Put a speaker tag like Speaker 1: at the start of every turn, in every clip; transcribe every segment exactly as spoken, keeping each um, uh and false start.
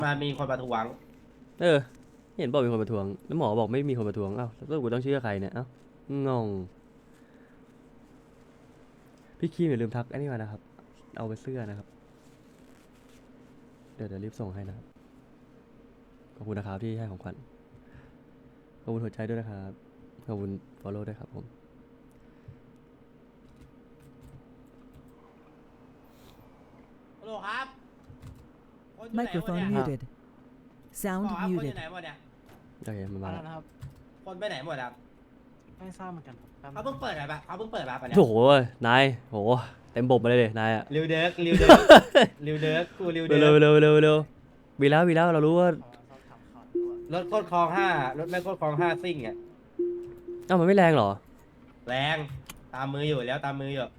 Speaker 1: มันมีคนประท้วง
Speaker 2: เออเห็นบอกมีคนประท้วงแล้วหมอบอกไม่มีคนประท้วงอ้าวแล้วกูต้องเชื่อใครเนี่ยเอ้างงพี่คีมอย่าลืมทักอันนี้มานะครับเอาไปเสื้อนะครับเดี๋ยวเดี๋ยวรีบส่งให้นะครับขอบคุณนะครับที่ให้ของขวัญขอบคุณหัวใจด้วยนะครับขอบคุณ follow ด้วยครับผม
Speaker 1: ฮัลโหลครับคนอยู่ไหนหมด
Speaker 3: Microphone
Speaker 1: เนี่ย
Speaker 3: muted.
Speaker 1: บ
Speaker 3: Sound
Speaker 1: อกครับคนอยู่
Speaker 3: muted.
Speaker 1: ไหนหมดเนี่ย
Speaker 2: โอเคมันมา
Speaker 4: อะไร
Speaker 2: แล้ว
Speaker 4: นะครับ
Speaker 1: คนไปไหนหมดครับ
Speaker 4: ไม่ทราบเหมือนกันครับ
Speaker 1: เขาเพิ่งเปิดอะไรปะเขาเพิ่งเปิดปะปะเนี่ย
Speaker 2: โอ้โหนายโหเต็มบบมาเลยเลยนายอะ
Speaker 1: ริวเดิร์กริวเดิร์กริวเดิร์กกูริวเดิ
Speaker 2: เร็ว
Speaker 1: ร์ก
Speaker 2: เร็วเร็วเร็ววีแล้ววีแล้วเรารู้ว่า
Speaker 4: ขอสอบถามข่าวด้วย
Speaker 1: รถโคตรคลองห้ารถแม่งโคตรคลองห้าซิ่งอ่ะ
Speaker 2: เอ้ามันไม่แรงเหรอ
Speaker 1: แรงตามมืออยู่แล้วตามมืออยู่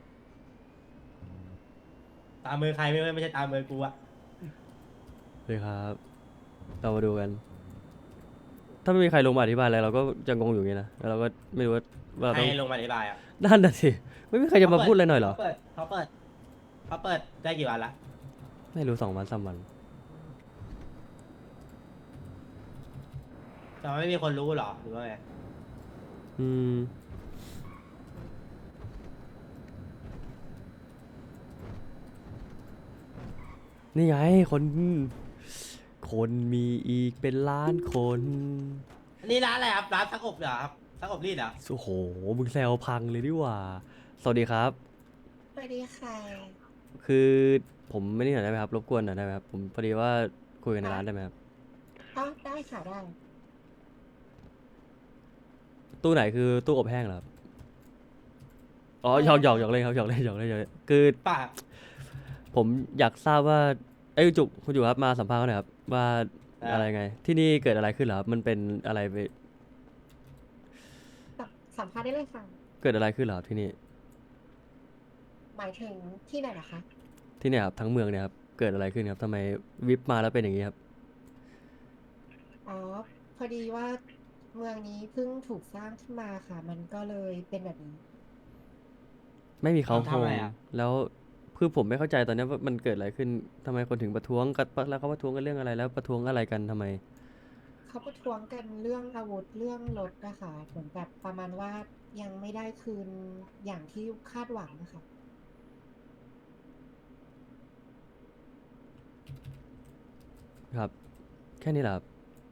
Speaker 1: ตามมือใครไม่ไม่ใช่ตามมือกูอะ
Speaker 2: เลยครับเรามาดูกัน ถ้าไม่มีใครลงมาอธิบายอะไรเราก็จะงงอยู่อย่างนี้นะแล้วเราก็ไม่รู้ว่าว่าเรา
Speaker 1: ใคร
Speaker 2: ต้อง
Speaker 1: ลงมาอธิบายอ่ะ
Speaker 2: นั่นน่ะสิไม่มีใครจะมาพูดอะไรหน่อยเหรอ
Speaker 1: เขาเปิดเขาเปิดเขาเปิดได้กี่วันละ
Speaker 2: ไม่รู้สองวันสามวัน
Speaker 1: แต่ว่าไม่มีคนรู้หรอหรือว่าไง
Speaker 2: อืมนี่ไงคนคนมีอีกเป็นล้านคน
Speaker 1: อันนี่ร้านอะไรครับร้านซักอบเหรอครับซักอบรีดเหรอ
Speaker 2: โอ้โหมึงแซวพังเลยดีกว่า สวัสดีครับ
Speaker 5: สวัสดีค่ะ
Speaker 2: คือผมไม่ได้หน่อยได้ไหมครับรบกวนหน่อยได้ไหมครับผมพอดีว่าคุยกันในร้านได้ไหมครับ
Speaker 5: อ๋อได้ค่ะได้
Speaker 2: ตู้ไหนคือตู้อบแห้งเหรอครับอ๋อหยอกหยอกหยอกเล่นครับหยอกเล่นหยอกเล่นหยอกเล่นคือ
Speaker 1: ป่า
Speaker 2: ผมอยากทราบว่าไอ้ยจุกคุณอยู่ครับมาสัมภาษณ์เขาหน่อยครับว่าอะไรไง ที่นี่เกิดอะไรขึ้นเหรอครับมันเป็นอะไรไป
Speaker 5: สัมสัมภาษณ์ได้เลยค่ะ
Speaker 2: เกิดอะไรขึ้นเหรอครับที่นี่
Speaker 5: หมายถึงที่ไหนนะคะ
Speaker 2: ที่เนี่ยครับทั้งเมืองเนี่ยครับเกิดอะไรขึ้นครับทำไมวิปมาแล้วเป็นอย่างนี้ครับ
Speaker 5: อ๋อ พอดีว่าเมืองนี้เพิ่งถูกสร้างขึ้นมาค่ะ มันก็เลยเป็นแบบนี้
Speaker 2: ไม่มีเขาโค
Speaker 1: ทำ
Speaker 2: ร
Speaker 1: อะ
Speaker 2: ง
Speaker 1: ไรอ่ะ
Speaker 2: แล้วคือผมไม่เข้าใจตอนเนี้ยว่ามันเกิดอะไรขึ้นทำไมคนถึงประท้วงกันแล้วเขาประท้วงกันเรื่องอะไรแล้วประท้วงอะไรกันทำไม
Speaker 5: เขาประท้วงกันเรื่องอาวุธเรื่องรถนะคะเหมือนแบบประมาณว่ายังไม่ได้คืนอย่างที่คาดหวังนะคะ
Speaker 2: ครับ แค่นี้แหละครับ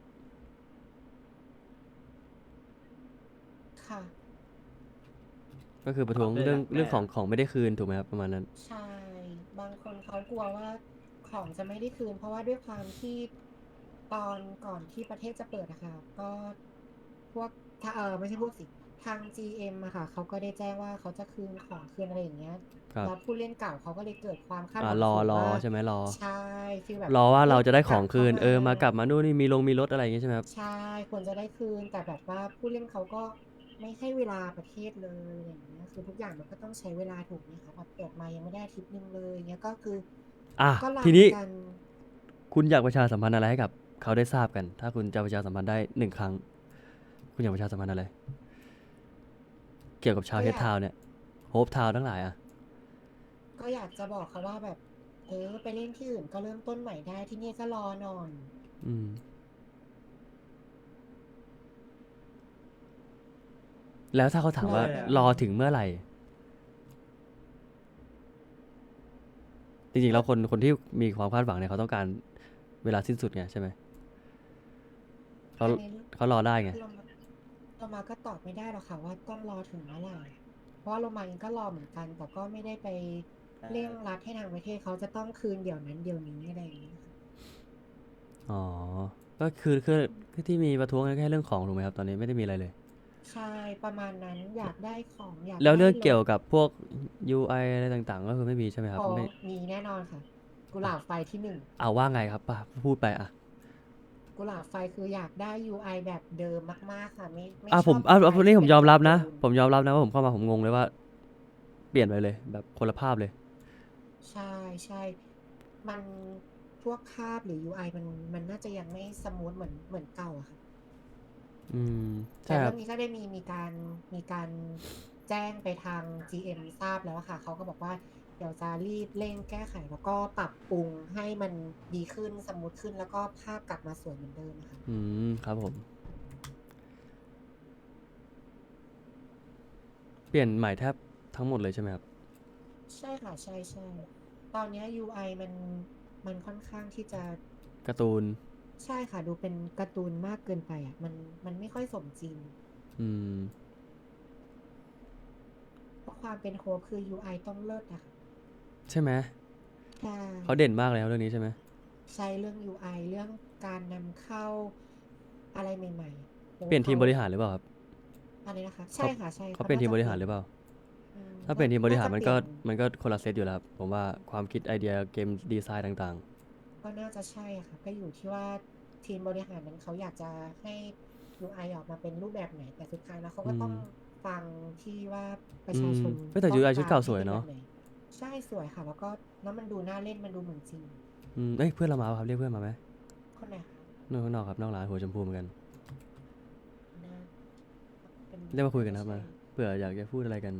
Speaker 5: ค่ะ
Speaker 2: ก็คือประท้วงเรื่องเรื่องของของไม่ได้คืนถูกไหมครับประมาณนั้น
Speaker 5: ใช่ บางคนเขากลัวว่าของจะไม่ได้คืน เพราะว่าด้วยความที่ตอนก่อนที่ประเทศจะเปิดอะค่ะก็พวกถ้าเออไม่ใช่พวกสิทาง จี เอ็ม อะค่ะเขาก็ได้แจ้งว่าเขาจะคืนของคืนอะไรอย่างเงี้ย
Speaker 2: ครับ
Speaker 5: แล้วผู้เล่นเก่าเขาก็เลยเกิดความคาดห
Speaker 2: อ่า
Speaker 5: วัง
Speaker 2: รอ
Speaker 5: สูง
Speaker 2: รอ
Speaker 5: ว่า
Speaker 2: ใช่ไหมรอ
Speaker 5: ใช่ฟีลแบบ
Speaker 2: รอว่าเราจะได้ของ
Speaker 5: กลับ
Speaker 2: คืน
Speaker 5: เข้า
Speaker 2: เออมากลับมานู่นนี่มีลงมีรถอะไรอย่างงี้ใช่ไหมครับ
Speaker 5: ใช่ควรจะได้คืน แต่แบบว่าผู้เล่นเขาก็ไม่ให้เวลาประเทศเลยอย่างเงี้ยคือทุกอย่างมันก็ต้องใช้เวลาถูกไหมคะแบบเปิดมายังไม่ได้อาทิตย์นึงเลยเงี้ยก็คือ
Speaker 2: อ่ะ
Speaker 5: ก็รัน
Speaker 2: ทีนี้
Speaker 5: กัน
Speaker 2: คุณอยากประชาสัมพันธ์อะไรให้กับเขาได้ทราบกัน ถ้าคุณจะประชาสัมพันธ์ได้หนึ่งครั้ง คุณอยากประชาสัมพันธ์อะไร เกี่ยวกับชาวเฮดทาวน์เนี่ยโฮปทาวน์ทั้งหลายอ่ะ
Speaker 5: ก็อยากจะบอกเขาว่าแบบ เออไปเล่นที่อื่นก็เริ่มต้นใหม่ได้ที่นี่ก็รอหน่อย
Speaker 2: อืม แล้วถ้าเขาถามว่า
Speaker 1: เลยอะ
Speaker 2: รอถึงเมื่อไหร่ จริงๆแล้วคนคนที่มีความคาดหวังเนี่ยเขาต้องการเวลาสิ้นสุดไงใช่ไหมเขา
Speaker 5: อันนี้
Speaker 2: เขารอได้ไง
Speaker 5: เรามาเรามาก็ตอบไม่ได้หรอกค่ะว่าต้องรอถึงเมื่อไหร่เพราะว่าเรามาเองก็รอเหมือนกัน แต่ก็ไม่ได้ไปเร่งรัดให้ทางประเทศเขาจะต้องคืนเดี๋ยวนั้นเดี๋ยวนี้อะไรอย่างเงี้ยค่ะ
Speaker 2: อ๋อ ก็คือคือคือที่มีประท้วงกันแค่เรื่องของถูกไหมครับ ตอนนี้ไม่ได้มีอะไรเลย
Speaker 5: ใช่ประมาณนั้นอยากได้ของอยาก
Speaker 2: แล้วเรื่อง
Speaker 5: ได้
Speaker 2: เกี่ยว
Speaker 5: ถ
Speaker 2: กับพวก ยู ไอ อะไรต่างๆ ก็คือไม่มีใช่ไหมครับ
Speaker 5: อ๋อ
Speaker 2: ไม่
Speaker 5: มีแน่นอนค่ะ กุหลาบไฟที่หนึ่ง
Speaker 2: เอาว่าไงครับป่ะพูดไปอ่ะ
Speaker 5: กุหลาบไฟคืออยากได้ ยู ไอ แบบเดิมมากๆค่ะไม่ไม่
Speaker 2: อ่ะ
Speaker 5: ช
Speaker 2: ผม
Speaker 5: อบ
Speaker 2: อ่ะ
Speaker 5: ยู ไอ
Speaker 2: อ่ะนี่ผม
Speaker 5: ที่
Speaker 2: ยอมรับนะ
Speaker 5: เป็
Speaker 2: ผมยอมรับนะว่าผมเข้ามาผมงงเลยว่า เปลี่ยนไปเลย แบบคนละภาพเลย
Speaker 5: ใช่ใช่มันพวกคาบหรือ ยู ไอ มันมันน่าจะยังไม่สมูทเหมือนเหมือนเก่าอะค่ะ
Speaker 2: อืม
Speaker 5: แต่
Speaker 2: ใช่ค
Speaker 5: เรื่
Speaker 2: รั
Speaker 5: อบ งนี้ก็ได้มีมีการมีการแจ้งไปทาง จี เอ็ม ทราบแล้วอะค่ะเขาก็บอกว่าเดี๋ยวจะรีบเร่งแก้ไขแล้วก็ปรับปรุงให้มันดีขึ้นสมูทขึ้นแล้วก็ภาพกลับมาสวยเหมือนเดิมค่ะ
Speaker 2: อืมครับผม เปลี่ยนใหม่แทบทั้งหมดเลยใช่ไหมครับ
Speaker 5: ใช่ค่ะใช่ใช่ตอนเนี้ย ยู ไอ มันมันค่อนข้างที่จะ
Speaker 2: การ์ตูน
Speaker 5: ใช่ค่ะ ดูเป็นการ์ตูนมากเกินไปอ่ะ มันมันไม่ค่อยสมจริง
Speaker 2: อืม
Speaker 5: เพราะความเป็นโฮปคือ ยู ไอ ต้องเลิศอะค่ะ
Speaker 2: ใช่ไหม
Speaker 5: ใช่
Speaker 2: เขาเด่นมากเลยครับเรื่องนี้ใช่ไหม
Speaker 5: ใช่เรื่อง ยู ไอ เรื่องการนำเข้าอะไรใหม่ๆโห
Speaker 2: เปลี่ยนทีม
Speaker 5: ขา
Speaker 2: บริหารหรือเปล่าครับ
Speaker 5: อะไรนะคะ ใช่ค่ะใช่
Speaker 2: เขาเปลี่ยนทีมบริหารหรือเปล่า ถ้าเปลี่ยนทีมบริหารมันก็
Speaker 5: น่าจะเปลี่ยน
Speaker 2: มันก็คนละเซตอยู่แล้วครับผมว่าความคิดไอเดียเกมดีไซน์ต่าง
Speaker 5: ก็น่าจะใช่ค่ะ ก็อยู่ที่ว่าทีมบริหารนั้นเขาอยากจะให้ ยู ไอ ออกมาเป็นรูปแบบไหน แต่สุดท้ายแล้วเขาก็ต้องฟังที่ว่าประชาชน
Speaker 2: อืมเฮ้ยแต่ ยู ไอ ชุดเก่าสวยเนอะ
Speaker 5: ต้องกรให้ป็แบบไหใช่สวยค่ะ แล้วก็แล้วมันดูน่าเล่นมันดูเหมือนจริง
Speaker 2: ๆอืมเอ้ยเพื่อนเรามาปะครับเรียกเพื่อนมาไหม
Speaker 5: คนไหนคะ
Speaker 2: นอกข้างนอกครับนอกร้านหัวชมพูเหมือนกัน
Speaker 5: น่าป็
Speaker 2: เรียกมาคุยกันนะครับมา
Speaker 5: ใช่
Speaker 2: เผื่ออยากจะพูดอะไรกัน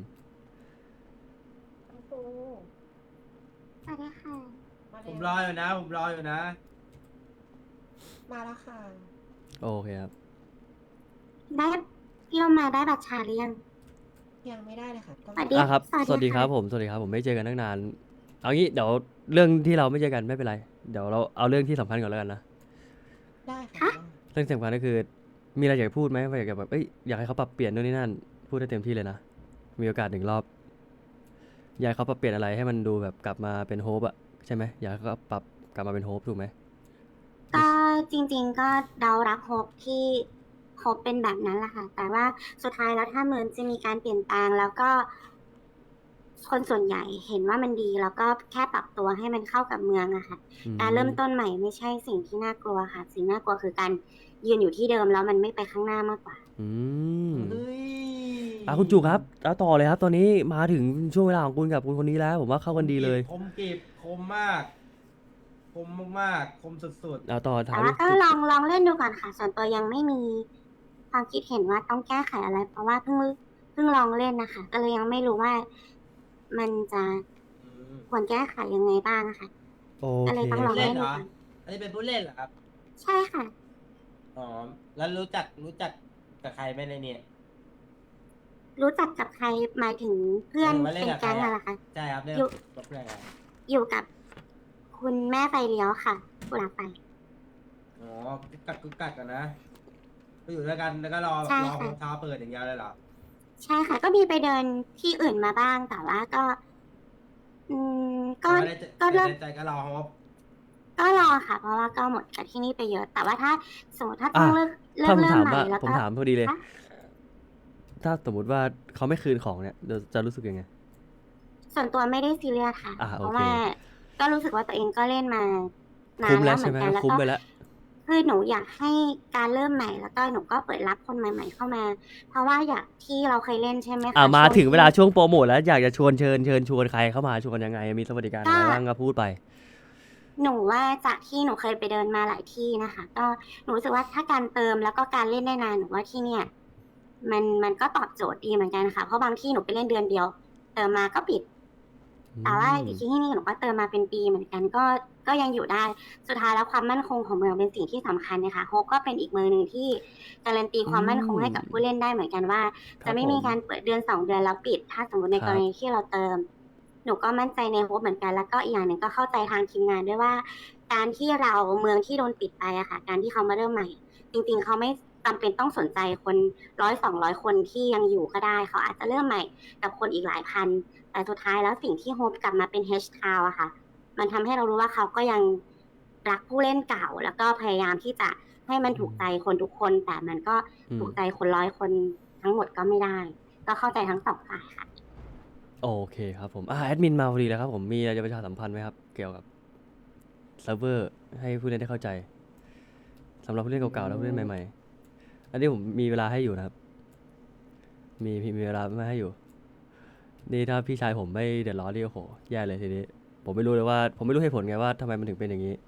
Speaker 5: คุณครู
Speaker 3: สวัสดีค่ะ
Speaker 5: มา
Speaker 1: ผม
Speaker 5: แล้ว
Speaker 1: รออยู่นะ ผมรออยู่นะ
Speaker 5: มาแล้วค่ะ
Speaker 2: โอเคครับ
Speaker 3: ได้พี่โรมาได้บัตรชาหรือยัง
Speaker 5: ยังไม่ได้เลยค่ะต้อง
Speaker 3: สวัสดี
Speaker 2: อ่ะครับ
Speaker 3: สวัสดี
Speaker 2: สวัสดีครับ
Speaker 3: ค่ะ
Speaker 2: ผม สวัสดีครับ ผมไม่เจอกันตั้งนาน เอางี้เดี๋ยวเรื่องที่เราไม่เจอกันไม่เป็นไร เดี๋ยวเราเอาเรื่องที่สำคัญก่อนแล้วกันนะ
Speaker 5: ได้ค่ะ
Speaker 2: เรื่องสำคัญก็คือ มีอะไรอยากจะพูดไหมว่าอยากจะแบบ เอ้ย อยากให้เขาปรับเปลี่ยนนู่นนี่นั่น พูดได้เต็มที่เลยนะ มีโอกาสหนึ่งรอบ อยากให้เขาปรับเปลี่ยนอะไรให้มันดูแบบกลับมาเป็นโฮปอะใช่ไหมอยากให้เขาปรับกลับมาเป็นโฮปถูกไหม
Speaker 3: ก็จริงๆก็เดารักโฮปที่โฮปเป็นแบบนั้นแหละค่ะ แต่ว่าสุดท้ายแล้วถ้าเหมือนจะมีการเปลี่ยนแปลงแล้วก็ คนส่วนใหญ่เห็นว่ามันดี แล้วก็แค่ปรับตัวให้มันเข้ากับเมืองอะค่ะ
Speaker 2: อืม
Speaker 3: การเริ่มต้นใหม่ไม่ใช่สิ่งที่น่ากลัวค่ะ สิ่งน่ากลัวคือการยืนอยู่ที่เดิมแล้วมันไม่ไปข้างหน้ามากกว่า
Speaker 2: อืม
Speaker 1: เฮ้ย
Speaker 2: อ่ะคุณจูครับเอาต่อเลยครับ ตอนนี้มาถึงช่วงเวลาของคุณกับคุณคนนี้แล้ว ผมว่าเข้ากันดีเลย
Speaker 1: คมกริบคมมาก คมมากๆ คมสุด
Speaker 2: เอาต่อถา
Speaker 3: แต่
Speaker 2: ม
Speaker 3: ว่าก็ลองลองเล่นดูก่อนค่ะ ส่วนตัวยังไม่มีความคิดเห็นว่าต้องแก้ไขอะไร เพราะว่าเพิ่งเพิ่งลองเล่นนะคะ ก็เลยยังไม่รู้ว่ามันจะ
Speaker 1: ๆอืม
Speaker 3: ควรแก้ไขยังไงบ้างนะคะ
Speaker 2: โอ
Speaker 3: ก็เลย
Speaker 2: เค
Speaker 3: ต้องลอง
Speaker 1: เล่
Speaker 3: เล่
Speaker 1: น
Speaker 3: น
Speaker 1: เหร
Speaker 3: ดู
Speaker 1: อ
Speaker 3: ก่อน
Speaker 1: อันนี้เป็นผู้เล่นเหรอครับ
Speaker 3: ใช่ค่ะ
Speaker 1: อ๋อ แล้วรู้จักรู้จักกับใครไหมในเนี่ย
Speaker 3: รู้จักกับใครหมายถึงเพื่อน
Speaker 1: หมายถึงว่าเล่น
Speaker 3: เป็น
Speaker 1: กับใคร
Speaker 3: แก๊ง
Speaker 1: อะ
Speaker 3: อะเหรอคะ
Speaker 1: ใช่ครับเล่น
Speaker 3: อยู่
Speaker 1: กับเพื่อนอะไร
Speaker 3: อยู่กับคุณแม่ไฟเลี้ยวค่ะกุหลาบไฟ
Speaker 1: อ๋อกุกกักกุกกักกันนะก็อยู่ด้วยกันแล้วก็รอ
Speaker 3: ใช่
Speaker 1: รอ
Speaker 3: ค่ะ
Speaker 1: เท้าเปิดอย่างเดียวเลยเหรอ
Speaker 3: ใช่ค่ะ ก็มีไปเดินที่อื่นมาบ้าง แต่ว่าก็ อืม ก็
Speaker 1: แต่ว่าในใจ
Speaker 3: ก็เลิก
Speaker 1: ในใจก็รอฮอป
Speaker 3: ก็รอค่ะ เพราะว่าก็หมดกับที่นี่ไปเยอะ แต่ว่าถ้าสมมติถ้าต้อง
Speaker 2: อ่ะ
Speaker 3: เลิกเลิ
Speaker 2: ถ้าก ผม
Speaker 3: เริ่ม
Speaker 2: ถาม
Speaker 3: ใหม่
Speaker 2: ว่า
Speaker 3: แล้ว
Speaker 2: ผม
Speaker 3: ก็
Speaker 2: ถามพอดีเลย
Speaker 3: คะ
Speaker 2: ถ้าสมมติว่าเขาไม่คืนของเนี่ยเราจะรู้สึกยังไง
Speaker 3: ส่วนตัวไม่ได้ซีเรียสค่ะ
Speaker 2: อ่ะ
Speaker 3: เพ
Speaker 2: โอ
Speaker 3: ราะ
Speaker 2: เค
Speaker 3: ว่าก็รู้สึกว่าตัวเองก็เล่นมานา
Speaker 2: คุ้
Speaker 3: น
Speaker 2: ม
Speaker 3: แล้
Speaker 2: แล้ว ว
Speaker 3: เหมื
Speaker 2: ใช่
Speaker 3: อน
Speaker 2: ไหม
Speaker 3: กันแล้ว
Speaker 2: คุ้ม
Speaker 3: ก็
Speaker 2: ไปแล้ว
Speaker 3: คือหนูอยากให้การเริ่มใหม่ แล้วก็หนูก็เปิดรับคนใหม่ ๆ เข้ามา เพราะว่าอยากที่เราเคยเล่นใช่ไหมคะ
Speaker 2: อ่ามา
Speaker 3: ช่วง
Speaker 2: ถึงเวลา
Speaker 3: ที่
Speaker 2: ช่วงโปรโมทแล้วอยากจะชวนเชิญเชิญชวนใครเข้ามาชวนยังไง มีสวัสดิการอะไร
Speaker 3: ก็
Speaker 2: บ้างก็พูดไป
Speaker 3: หนูว่าจากที่หนูเคยไปเดินมาหลายที่นะคะ ก็หนูรู้สึกว่าถ้าการเติมแล้วก็การเล่นได้นานหนูว่าที่เนี่ย มันมันก็ตอบโจทย์ดีเหมือนกันค่ะ เพราะบางที่หนูไปเล่นเดือนเดียว เติมมาก็ปิด แต่ว่าอีกที่นี่หนูก็เติมมาเป็นปีเหมือนกันก็ก็ยังอยู่ได้ สุดท้ายแล้วความมั่นคงของเมืองเป็นสิ่งที่สำคัญนะคะโฮปก็เป็นอีกเมืองหนึ่งที่การันตีความมั่นคงให้กับผู้เล่นได้เหมือนกันว่า
Speaker 2: ครับ
Speaker 3: จะไม่มีการเปิดเดือนสองเดือนแล้วปิด ถ้าสมมติใน
Speaker 2: ครับ
Speaker 3: กรณีที่เราเติม หนูก็มั่นใจในโฮปเหมือนกัน แล้วก็อีกอย่างหนึ่งก็เข้าใจทางทีมงานด้วยว่า การที่เราเมืองที่โดนปิดไปอะค่ะ การที่เขามาเริ่มใหม่ จริงๆเขาไม่จำเป็นต้องสนใจคนร้อยสองร้อยคนที่ยังอยู่ก็ได้ เขาอาจจะเริ่มใหม่กับคนอีกหลายพัน แต่สุดท้ายแล้วสิ่งที่โฮปกลับมาเป็น H Town อะค่ะ มันทำให้เรารู้ว่าเขาก็ยังรักผู้เล่นเก่า แล้วก็พยายามที่จะให้มันถูกใจคนทุกคน แต่มันก็
Speaker 2: อืม
Speaker 3: ถูกใจคนร้อยคนทั้งหมดก็ไม่ได้ ก็เข้าใจทั้งสองฝ่ายค่ะ
Speaker 2: โอเคครับผมอ่าแอดมินมาพอดีแล้วครับผมมีอะไรจะประชาสัมพันธ์ไหมครับ เกี่ยวกับเซิร์ฟเวอร์ให้ผู้เล่นได้เข้าใจสำหรับผู้เล่นเก่าๆและผู้เล่นใหม่ๆ อันนี้ผมมีเวลาให้อยู่นะครับ มีมีมีเวลาไม่ให้อยู่ นี่ถ้าพี่ชายผมไม่เดือดร้อนนี่โอ้โหแย่เลยทีนี้ ผมไม่รู้เลยว่า ผมไม่รู้เหตุผลไงว่าทำไมมันถึงเป็นอย่างนี้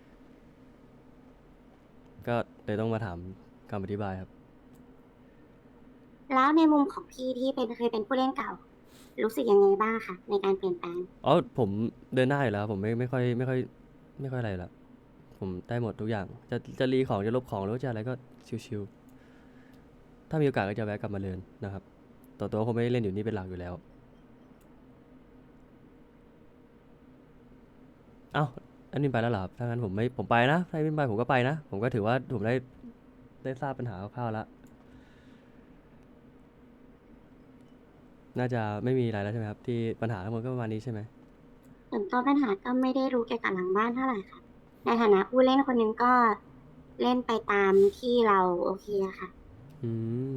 Speaker 2: ก็เลยต้องมาถามคำอธิบายครับ
Speaker 3: แล้วในมุมของพี่ที่เป็นเคยเป็นผู้เล่นเก่ารู้สึกยังไงบ้างคะในการเปลี่ยนแปลง
Speaker 2: อ๋อผมเดินหน้าอยู่แล้วครับผมไม่ไม่ค่อยไม่ค่อยไม่ค่อยอะไรอยู่แล้วผมได้หมดทุกอย่าง จะจะรีของจะลบของหรือว่าจะอะไรก็ชิวๆถ้ามีโอกาสก็จะแวะกลับมาเรียนนะครับต่อตัวคงไม่ได้เล่นอยู่นี่เป็นหลักอยู่แล้ว เอ้าอันนี้ไปแล้วเหรอครับถ้างั้นผมไม่ผมไปนะถ้าไม่ไปผมก็ไปนะ ผมก็ถือว่าผมได้ได้ทราบปัญหาคร่าวๆแล้ว น่าจะไม่มีอะไรแล้วใช่ไหมครับ ที่ปัญหาทั้งหมดก็ประมาณนี้ใช่ไหม
Speaker 3: ส่วนตัวปัญหาก็ไม่ได้รู้เกี่ยวกับหลังบ้านเท่าไหร่ค่ะ ในฐานะผู้เล่นคนหนึงก็เล่นไปตามที่เราโอเคอะค่ะ
Speaker 2: อืม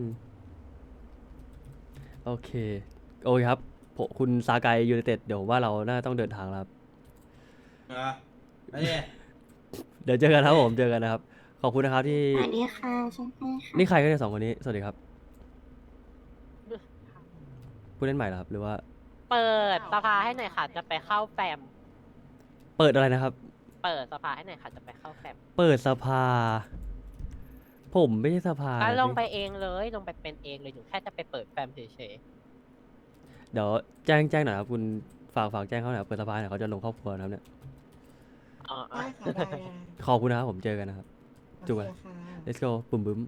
Speaker 2: โอเค โอเคครับผมคุณซากายยูไนเต็ดเดี๋ยวผมว่าเราน่าต้องเดินทางแล้วครับ
Speaker 1: นะไอ้เนี่ย
Speaker 2: เดี๋ยวเจอกันครับผมเจอกันนะครับ ขอบคุณนะครับที่
Speaker 3: สวัสดีค่ะใช่ไหมค่ะ
Speaker 2: นี่ใครกันเนี่ยสองคนนี้ สวัสดีครับ ผู้เล่นใหม่เหรอครับหรือว่า
Speaker 6: เปิดสภาให้หน่อยค่ะ จะไปเข้าแฟม
Speaker 2: เปิดอะไรนะครับ
Speaker 6: เปิดสภาให้หน่อยค่ะ จะไปเข้าแฟม
Speaker 2: เปิดสภา ผมไม่ใช่สภา
Speaker 6: ก็
Speaker 2: นะ
Speaker 6: ลงไป
Speaker 2: พี่
Speaker 6: เองเลย ลงไปเป็นเองเลยหนูแค่จะไปเปิดแฟมเฉย
Speaker 2: เดี๋ยวแจ้งแจ้งหน่อยครับคุณฝากฝากแจ้งเขาหน่อยเปิดสภาเนี่ยเขาจะลงครอบครัวนะครับเนี่ย
Speaker 6: ๆอ๋อ
Speaker 5: ได้ค่ะได้ได้
Speaker 2: ขอบคุณนะครับผมเจอกันนะครับ จุ๊บ
Speaker 5: โอ
Speaker 2: อะ
Speaker 5: เคค่ะ
Speaker 2: let's go บุ้มบุ้ม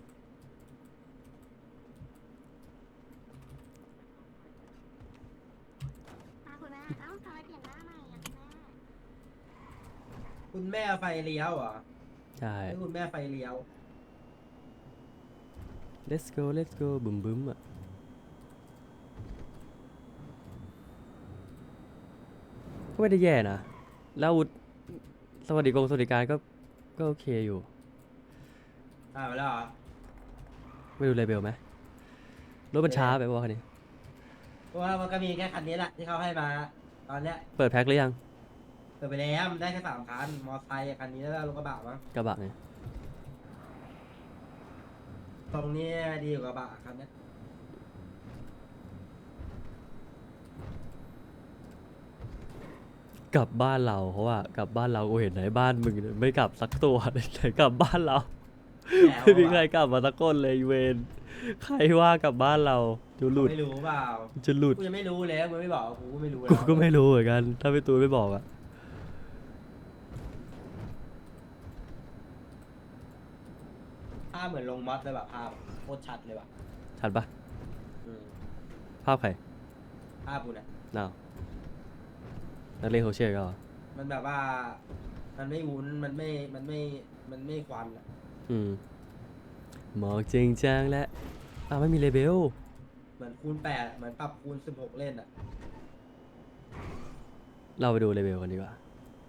Speaker 3: คุณแม่เอ้าทำไมเปลี่ยนหน้าใหม่อะคุณแม่
Speaker 1: คุณแม่ไฟเลี้ยวเหรอ
Speaker 2: ใช่
Speaker 1: ให้คุณแม่ไฟเลี้ยว
Speaker 2: let's go let's go บุ้มบุ้มอ่ะก็ไม่ได้แย่นะ แล้วอาวุธสวัสดิกงสวัสดิการก็ก็โอเคอยู่
Speaker 1: อ่าไปแล้วเหรอ
Speaker 2: ไม่ดูเลเบลไหมรถมันช้าไปป่ะคันนี้
Speaker 1: เพราะว่ามันก็มีแค่คันนี้แหละที่เขาให้มา ตอนเนี้ย
Speaker 2: เปิดแพ็คหรือยัง
Speaker 1: เปิดไปแล้วมันได้แค่สามคัน มอไซค์คันนี้แล้วก็รถกระบะมั้ง
Speaker 2: กระบะเนี่ย
Speaker 1: ตรงนี้ดีกว่ากระบะคันเนี้ย
Speaker 2: กลับบ้านเราเพราะว่ากลับบ้านเรากูเห็นไหนบ้านมึงเนี่ยไม่กลับสักตัว ไหนกลับบ้านเรา
Speaker 1: แหม
Speaker 2: ไม่มีใครกลับมาสักคนเลยเวนใครว่ากลับบ้านเราจะหลุด
Speaker 1: ไม่รู้เปล่า
Speaker 2: จะหลุด
Speaker 1: กูยังไม่รู้เลยกูไม่บอกกูก็ไม่รู้
Speaker 2: กู
Speaker 1: แล้ว
Speaker 2: ก็ไม่รู้เหมือนกัน ถ้าพี่ตูนไม่บอกอะ
Speaker 1: ภาพเหมือนลงมอสเลยแบบภาพโคตรชัดเลยแบบ
Speaker 2: ชัดปะ
Speaker 1: อืม
Speaker 2: ภาพใคร
Speaker 1: ภาพกูเนี่ย
Speaker 2: น่าวนักเรียนโคเชียร์ก็เหรอ
Speaker 1: มันแบบว่า มันไม่วุ้น มันไม่ มันไม่ มันไม่ควันอะ
Speaker 2: อืมหมอกจริงจังและอ้าวไม่มีเลเบล
Speaker 1: เหมือนคูณแปดเหมือนปรับคูณสิบหกเล่นอะ
Speaker 2: เราไปดูเลเบลกันดีกว่า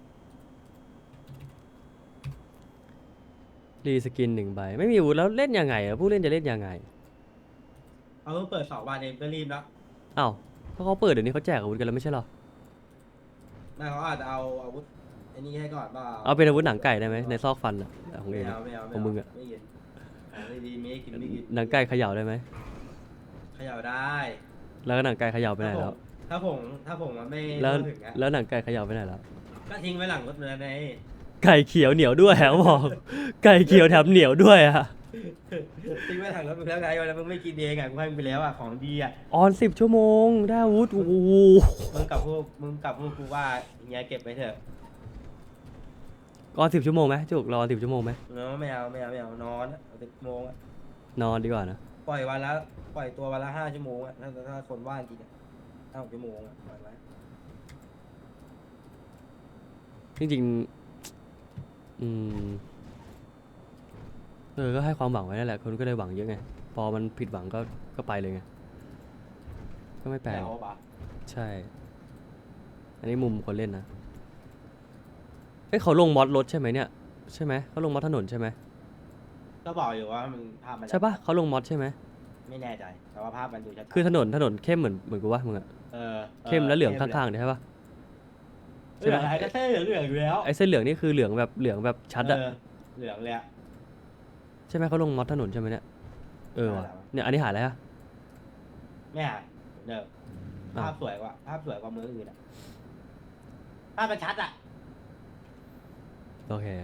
Speaker 2: รีสกินหนึ่งใบ ไม่มีอาวุธแล้วเล่นยังไงอะผู้เล่นจะเล่นยังไง
Speaker 1: เอาเพิ่งเปิดสองวันเองก็รีบแล้ว
Speaker 2: อ้าวเพราะเขาเปิดเดี๋ยวนี้เขาแจกอาวุธกันแล้วไม่ใช่เหรอ
Speaker 1: ไม่เขาอาจจะเอาอาวุธไอ้นี่ให้ก่อนเปล่า
Speaker 2: เอาเป็นอาวุธหนังไก่ได้ไหมในซอกฟันอะของ
Speaker 1: ไม่
Speaker 2: เองอะ
Speaker 1: เอาไม่เอา
Speaker 2: ของมึงอะ
Speaker 1: ไม่กินของไม่ดีไม่กินไม่กิน
Speaker 2: หนังไก่เขย่าได้ไหม
Speaker 1: เขย่าได้
Speaker 2: แล้วก็หนังไก่เขย่าไปไหนแล้ว
Speaker 1: ถ้าผมถ้าผมมันไม่
Speaker 2: แล้ว
Speaker 1: ทั่ถึงอะ
Speaker 2: แล้วหนังไก่เขย่าไปไหนแล้ว
Speaker 1: ก็ทิ้งไว้หลังรถเนื้อใน
Speaker 2: ไก่เขียวเหนียวด้วยเขาบอก ไก่เขียวแถมเหนียวด้วยอะ
Speaker 1: ทิ้งไว้หลังรถมึงแล้วไงแล้วมึงไม่กินเองอะกูให้มึงไปแล้วอะของดีอะ
Speaker 2: ออนสิบชั่วโมงได้อาวุธโอ้โห
Speaker 1: มึงกับพวกมึงกับพวกกูว่าอย่างเงี้ยเก็บไว้เถอะ
Speaker 2: ออนสิบชั่วโมงไหมจุกรอสิบชั่วโมงไหม
Speaker 1: เนาะไม่เอาไม่เอาไม่เอานอนเอาสิบโมงอะ
Speaker 2: นอนดีกว่านะ
Speaker 1: ปล่อยวันละปล่อยตัววันละห้าชั่วโมงอะถ้าถ้าคนว่างจริงอะห้าหกชั่วโมงอะปล่อยไว้
Speaker 2: จริงๆอืมเออก็ให้ความหวังไว้นั่นแหละคนก็เลยหวังเยอะไงพอมันผิดหวังก็ก็ไปเลยไงก็ไม่แปลก
Speaker 1: เอาปะ
Speaker 2: ใช่ อันนี้มุมคนเล่นนะเอ้ยเขาลงมอดรถใช่ไหมเนี่ยใช่ไหมเขาลงมอดถนนใช่ไหม
Speaker 1: ก็บอกอยู่ว่ามันภาพมัน
Speaker 2: ใช่ปะเขาลงมอดใช่ไหม
Speaker 1: ไม่แน่ใจแต่ว่าภาพมันดูชัดๆ
Speaker 2: คือถนนถนนเข้มเหมือนเหมือนกูว่ามึงอะ
Speaker 1: เออ
Speaker 2: เข้มแล้วเหลืองข้างๆเนี่ยใช่ปะ
Speaker 1: ๆเหลืองอะไรก็เท่เหลืองเหลืองอยู่แล้ว
Speaker 2: ไอ้เส้นเหลืองนี่คือเหลืองแบบเหลืองแบบชัดอะ
Speaker 1: เออเหลืองเลยอะ
Speaker 2: ใช่ไหมเขาลงมอดถนนใช่ไหมเนี่ยเออว่ะ
Speaker 1: หายแล้ว
Speaker 2: เนี่ยอันนี้หายแล้วอะ
Speaker 1: ไม่หายเหมือนเดิม
Speaker 2: อ้าว
Speaker 1: ภาพสวยกว่าภาพสวยกว่ามืออื่นอะภาพมันชัดอะ
Speaker 2: โอเค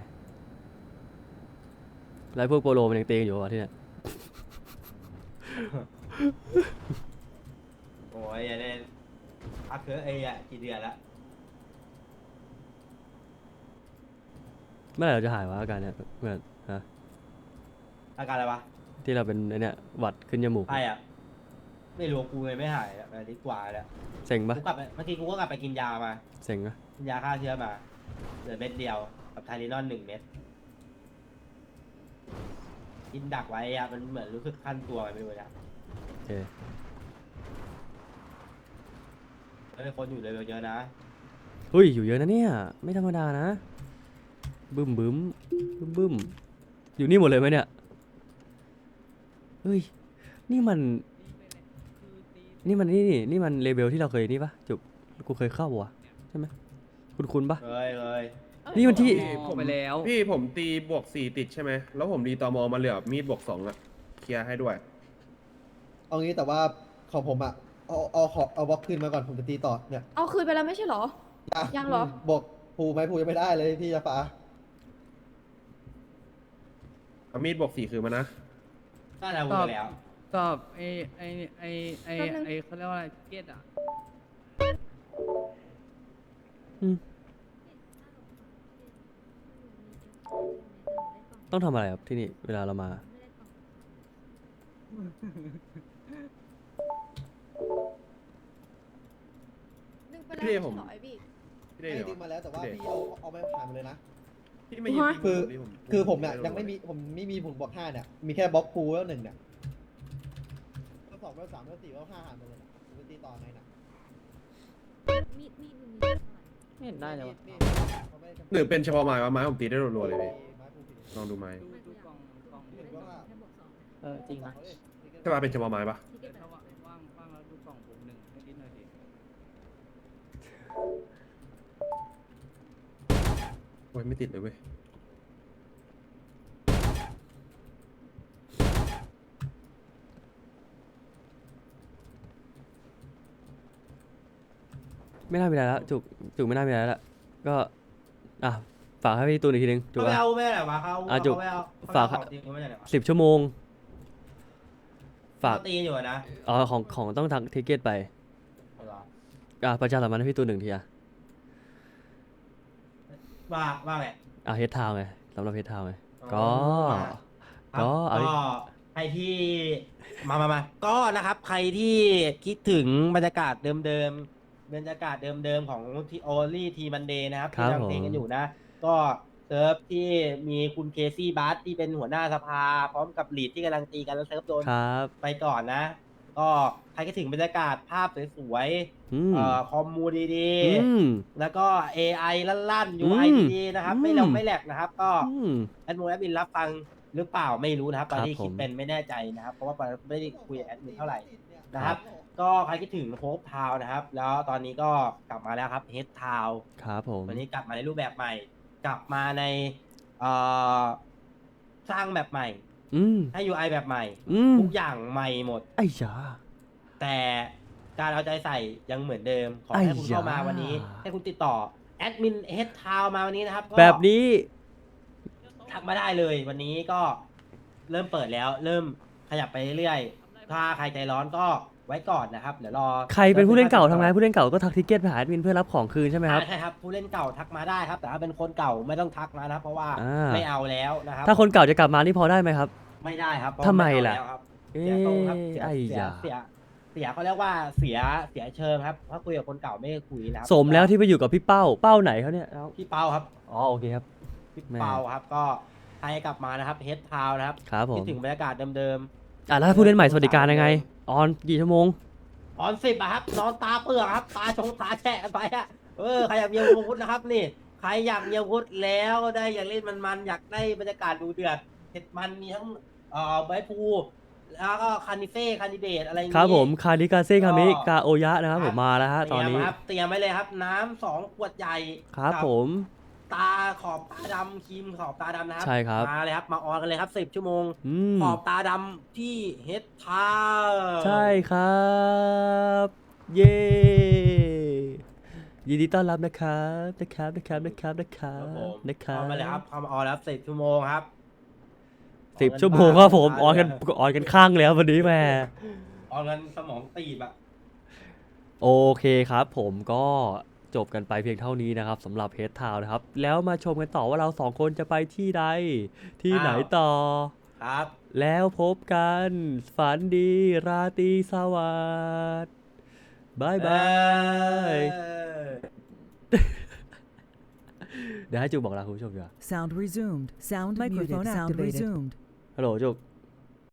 Speaker 2: แล้วพวกโปโลมันยังตีกันอยู่วะที่เนี่ย
Speaker 1: โอ้ยไอ้เนี่ยพักเถอะไอ้อะกี่เดือนละ
Speaker 2: เมื่อไหร่เราจะหายวะอาการเนี้ยเพื่อนฮะ
Speaker 1: อาการอะไรวะ
Speaker 2: ที่เราเป็นไอเนี้ยหวัดขึ้นจมูก
Speaker 1: ไออะไม่รู้กูเลยไม่หายอะอาทิตย์กว่าแล้ว
Speaker 2: เซ็งปะ
Speaker 1: กูกลับไปเมื่อกี้กูก็กลับไปกินยามา
Speaker 2: เซ็งปะ
Speaker 1: กินยาฆ่าเชื้อมาเหลือเม็ดเดียวกับไทลินอนหนึ่งเม็ดกินดักไว้อะมันเหมือนรู้สึกขั้นตัวไปไม่รู้นะ
Speaker 2: โอเค
Speaker 1: แล้วมีคนอยู่เลยเยอะนะ
Speaker 2: เฮ้ยอยู่เยอะนะเนี่ยไม่ธรรมดานะบึ้มบึ้มบึ้มบึ้มอยู่นี่หมดเลยไหมเนี่ยเฮ้ยนี่มันนี่มันนี่นี่นี่มันเลเวลที่เราเคยนี่ปะจุบกูเคยเข้าวะใช่ไหมคุณคุณปะ
Speaker 1: เลยเลย
Speaker 2: นี่มันที่
Speaker 7: ผมไปแล้ว พี่ผมตีบวกสี่ติดใช่ไหม แล้วผมดีตอมอมาเหลือมีดบวกสองอะเคลียร์ให้ด้วย
Speaker 8: เอางี้แต่ว่าของผมอะเอาเอาขอเอาบล็อกคืนมาก่อนผมจะตีต่อเนี่ย
Speaker 9: เอาคืนไปแล้วไม่ใช่เหรอ
Speaker 8: อ่ะ
Speaker 9: ยังเหรอ
Speaker 8: บอกภูไหมภูยังไม่ได้เลยพี่จะฟ้า
Speaker 7: เอามีดบวกสี่คือมานะ
Speaker 1: น่าจะพูดไปแล้ว
Speaker 10: ตอบไอไอไอไอ
Speaker 9: แป๊บนึง
Speaker 10: ไอเขาเรียกว่าอะไรเกตอ่ะ
Speaker 2: อืมต้องทำอะไรครับที่นี่เวลาเรามา
Speaker 9: ดึงไปแล้ว
Speaker 7: พี่
Speaker 9: ไม่
Speaker 7: ผม
Speaker 9: ใช่เหรอไอพี่
Speaker 7: พี่ได้
Speaker 8: ให้
Speaker 7: เหร
Speaker 8: ดึ
Speaker 7: อง
Speaker 8: มาแล้วแต่ว่า
Speaker 7: พี่
Speaker 8: พี่เอาเอาไม่ผ่านมาเลยนะ
Speaker 7: พี่ไม่ยืน
Speaker 9: ฮะ
Speaker 8: คือ
Speaker 7: ที่ผม
Speaker 8: คือผมเนี่ยยังไม่มีผมไม่มีผมบวกห้าเนี่ยมีแค่บล็อกภูแล้วหนึ่งเนี่ยแล้วสองแล้วสามแล้วสี่แล้วห้าหารหมดเลยนะผมจะตีต่อไงน่ะ
Speaker 9: มีดมีดมีดมีดเท่าไหร่
Speaker 6: ไม่เห็นได้เลยวะ
Speaker 8: มีดเขาไม่ได้จำกัด
Speaker 7: หรือเป็นเฉพาะไม้ว่าไม้ผมตีได้รัวๆเลยพี่
Speaker 8: ไม้ภูผิด
Speaker 7: ลองดูไม้
Speaker 10: ดูดูกล่องกล่อง
Speaker 8: เห็นว่า
Speaker 9: แค่บวกสอง
Speaker 6: เออจริงนะ
Speaker 7: ใช่ป่ะเป็นเฉพาะไม้ปะ
Speaker 9: ที่เก็บไป
Speaker 10: ถ้า
Speaker 9: แล้ว
Speaker 10: ว่างว่างว่างแล้วดูกล่องผมหนึ่งให้ดิหน่อยดิ
Speaker 7: โอ้ยไม่ติดเลยเว้ย
Speaker 2: ไม่น่ามีอะไรแล้วจุกจุกไม่น่ามีอะไรแล้วก็อ่ะฝากให้พี่ตูนอีกทีนึงจุก
Speaker 1: เขาไป
Speaker 2: อะ
Speaker 1: เอาไม่ได้วะเขา
Speaker 2: อ่ะจุก
Speaker 1: เขาไปเอา
Speaker 2: ฝาก
Speaker 1: เขของจริงเขาไม่ได้ไหนวะ
Speaker 2: สิบชั่วโมง ฝาก
Speaker 1: เขาตีอยู่อะนะ
Speaker 2: อ๋อของของต้องทางทิเกตไป
Speaker 1: เอาเหรอ
Speaker 2: อ่ะประชาสัมพันธ์ให้พี่ตูนหนึ่งทีอ่ะ
Speaker 1: ว่าว่าไง
Speaker 2: อ่ะเฮดทาวไงสำหรับเฮดทาวไงก็
Speaker 1: ครับ
Speaker 2: ก็เอาดิ
Speaker 1: ก็ใครที่มามามาก็นะครับ ใครที่คิดถึงบรรยากาศเดิมๆบรรยากาศเดิมๆของทีโอลี่ทีมันเดย์นะครับ
Speaker 2: ครั
Speaker 1: ที่
Speaker 2: บ
Speaker 1: ทำเพลง
Speaker 2: ผม
Speaker 1: กันอยู่นะ ก็เซิร์ฟที่มีคุณเคซี่บัสที่เป็นหัวหน้าสภา พร้อมกับลีดที่กำลังตีกันแล้วเซิร์ฟโดน
Speaker 2: ครับ
Speaker 1: ไปก่อนนะ ก็ใครคิดถึงบรรยากาศภาพสวย
Speaker 2: อืม
Speaker 1: ๆเอ่อคอมมูดี
Speaker 2: อืม
Speaker 1: ๆแล้วก็ เอ ไอ ลั่นๆ
Speaker 2: อื
Speaker 1: ยู
Speaker 2: ม
Speaker 1: ไอ ดีๆนะครับ ไม่ล
Speaker 2: อื
Speaker 1: ง
Speaker 2: ม
Speaker 1: ไม่แหลกนะครับ ก็
Speaker 2: อืม
Speaker 1: แอดมินแอดมินรับฟังหรือเปล่าไม่รู้นะครับตอน
Speaker 2: ครับ
Speaker 1: ที่คิด
Speaker 2: ผม
Speaker 1: เป็นไม่แน่ใจนะครับ เพราะว่าไม่ได้คุยกับแอดมินเท่าไหร่ นะครับ ก็ใครคิดถึงโฮปทาวนะครับ แล้วตอนนี้ก็กลับมาแล้วครับเฮดทาว
Speaker 2: ครับผม
Speaker 1: วันนี้กลับมาในรูปแบบใหม่ กลับมาในเอ่อสร้างแบบใหม่
Speaker 2: อืม
Speaker 1: ให้ ยู ไอ แบบใหม่
Speaker 2: อืม
Speaker 1: ทุกอย่างใหม่หมด
Speaker 2: ไอ้ยา
Speaker 1: แต่การเอาใจใส่ยังเหมือนเดิม ขอ
Speaker 2: ไอ้
Speaker 1: ให้คุณเข้ามา
Speaker 2: ยา
Speaker 1: วันนี้ ให้คุณติดต่อแอดมินเฮดทาวมาวันนี้นะครับก็
Speaker 2: แบบนี้
Speaker 1: ทักมาได้เลยวันนี้ก็เริ่มเปิดแล้ว เริ่มขยับไปเรื่อยๆ ถ้าใครใจร้อนก็ไว้ก่อนนะครับ เดี๋ยวรอ
Speaker 2: ใครเป็นผู้เล่นเก่าทำไงผู้เล่นเก่าก็ทักทิเกตไปหาแอดมินเพื่อรับของคืนใช่ไหมครับ
Speaker 1: อ่าใช่ครับผู้เล่นเก่าทักมาได้ครับ แต่ถ้าเป็นคนเก่าไม่ต้องทักมานะครับเพราะว่า
Speaker 2: อ่า
Speaker 1: ไม่เอาแล้วนะครับ
Speaker 2: ถ้าคนเก่าจะกลับมานี่พอได้ไหมครับ
Speaker 1: ไม่ได้ครับเพรา
Speaker 2: ทำไม
Speaker 1: เอา
Speaker 2: ล่ะ
Speaker 1: แล้วครับ
Speaker 2: เอ๊
Speaker 1: เสียทรงครับ
Speaker 2: ะ
Speaker 1: เสีย
Speaker 2: ไอ้
Speaker 1: เสีย
Speaker 2: ยา
Speaker 1: เสียเสียเขาเรียกว่าเสียเสียเชิงครับถ้าคุยกับคนเก่าไม่คุยนะครับ
Speaker 2: สมแล้วที่ไปอยู่กับพี่เป้าเป้าไหนเขาเนี่ยเอ้า
Speaker 1: พี่เปาครับ
Speaker 2: อ๋อโอเคครับ
Speaker 1: พี่
Speaker 2: แม่
Speaker 1: เปาครับก็ใครกลับมานะครับเฮดทาวนะครับ
Speaker 2: ครับผ
Speaker 1: คิด
Speaker 2: ม
Speaker 1: ถึงบรรยากาศเดิม
Speaker 2: อ่ะแล้วผู้เล่นใหม่สวัสดิการยังไง ออนกี่ชั่วโมง
Speaker 1: ๆออนสิบอะครับนอนตาเปลือกครับ ตาชงตาแฉะกันไปอะเออใครอยากมีอาวุธนะครับนี่ใครอยากมีอาวุธแล้วได้อยากเล่นมันๆอยากได้บรรยากาศดูเดือดเห็ดมันมีทั้งเอ่อใบพลูแล้วก็คานิเฟ่คานิเดตอะไรอย่าง
Speaker 2: ครับ
Speaker 1: งี้
Speaker 2: ผมคาริกาเซ่คามิ
Speaker 1: ก็
Speaker 2: กาโอยะนะครับผมมาแล้วฮะตอนนี้
Speaker 1: เตรียมครับเตรียมไว้เลยครับ น้ำสองขวดใหญ่
Speaker 2: ครับ
Speaker 1: กั
Speaker 2: ผม
Speaker 1: ตาขอบตาดำครีมขอบตาดำนะครั
Speaker 2: ใช่ครับ
Speaker 1: มาเลยครับมาออนกันเลยครับสิบชั่วโมง
Speaker 2: อืม
Speaker 1: ขอบตาดำที่เฮดทา
Speaker 2: ใช่ครับ เย้ยินดีต้อนรับนะครับนะครับนะครับนะครับนะครั
Speaker 1: ครับ บผม
Speaker 2: นะครับ
Speaker 1: เข้ามาเลยครับเข้ามาออนแล้วสิบชั่วโมงครับ
Speaker 2: สิบชั่วโมงครับผมออนกันออนกันข้างแล้ววันนี้แม่
Speaker 1: ออนกันสมองตีบอะ
Speaker 2: โอเคครับผมก็จบกันไปเพียงเท่านี้นะครับสำหรับเฮดทาวนะครับ แล้วมาชมกันต่อว่าเราสองคนจะไปที่ใดที่ไหน
Speaker 1: อ้าว
Speaker 2: ต่อ
Speaker 1: ครับ
Speaker 2: แล้วพบกัน ฝันดีราตรีสวัสดิ์บายบาย
Speaker 1: เออ
Speaker 2: เดี๋ยวให้จุกบอกลาคุณผู้ชมดีกว่า
Speaker 11: Sound resumed. Sound microphone activated. Sound resumed.
Speaker 2: ฮัลโหลจุก